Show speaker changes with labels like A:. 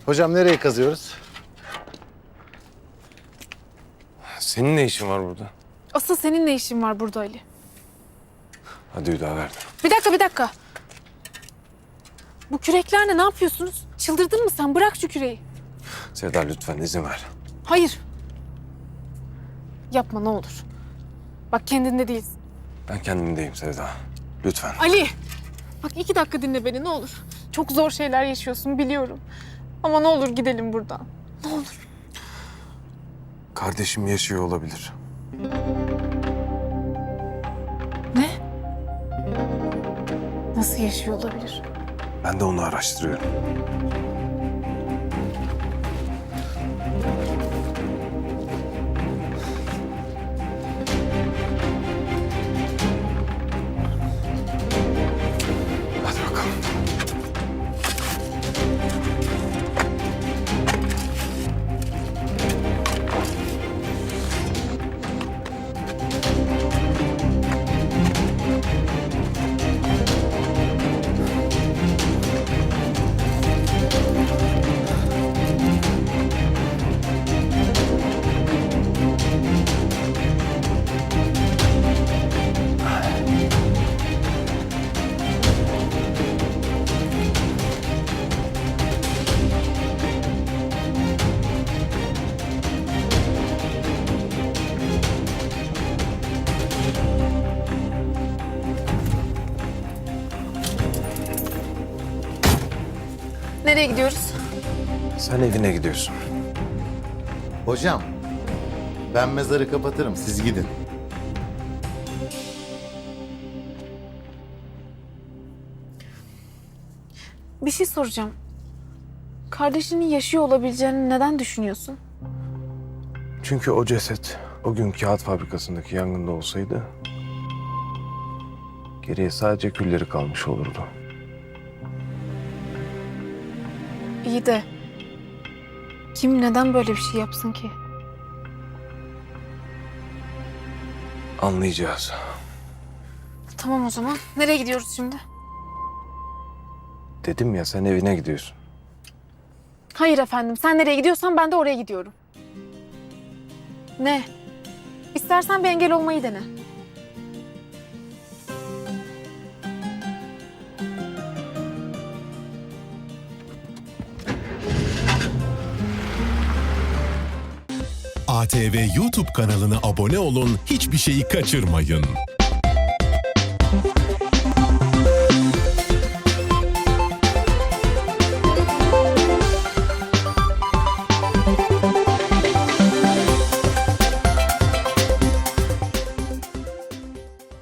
A: Hocam nereye kazıyoruz?
B: Senin ne işin var burada?
C: Asıl senin ne işin var burada Ali?
B: Hadi Hüdaverdi.
C: Bir dakika. Bu küreklerle ne yapıyorsunuz? Çıldırdın mı sen? Bırak şu küreği.
B: Sevda lütfen izin ver.
C: Hayır. Yapma ne olur. Bak kendinde değilsin.
B: Ben kendimdeyim Sevda. Lütfen.
C: Ali! Bak 2 dakika dinle beni ne olur. Çok zor şeyler yaşıyorsun biliyorum. Ama ne olur gidelim buradan. Ne olur.
B: Kardeşim yaşıyor olabilir.
C: Ne? Nasıl yaşıyor olabilir?
B: Ben de onu araştırıyorum. Hadi bakalım.
C: Nereye gidiyoruz?
B: Sen evine gidiyorsun.
A: Hocam ben mezarı kapatırım, siz gidin.
C: Bir şey soracağım. Kardeşinin yaşıyor olabileceğini neden düşünüyorsun?
B: Çünkü o ceset o gün kağıt fabrikasındaki yangında olsaydı geriye sadece külleri kalmış olurdu.
C: İyi de kim neden böyle bir şey yapsın ki?
B: Anlayacağız.
C: Tamam o zaman. Nereye gidiyoruz şimdi?
B: Dedim ya sen evine gidiyorsun.
C: Hayır efendim. Sen nereye gidiyorsan ben de oraya gidiyorum. Ne? İstersen bir engel olmayı dene.
D: ATV YouTube kanalına abone olun, hiçbir şeyi kaçırmayın.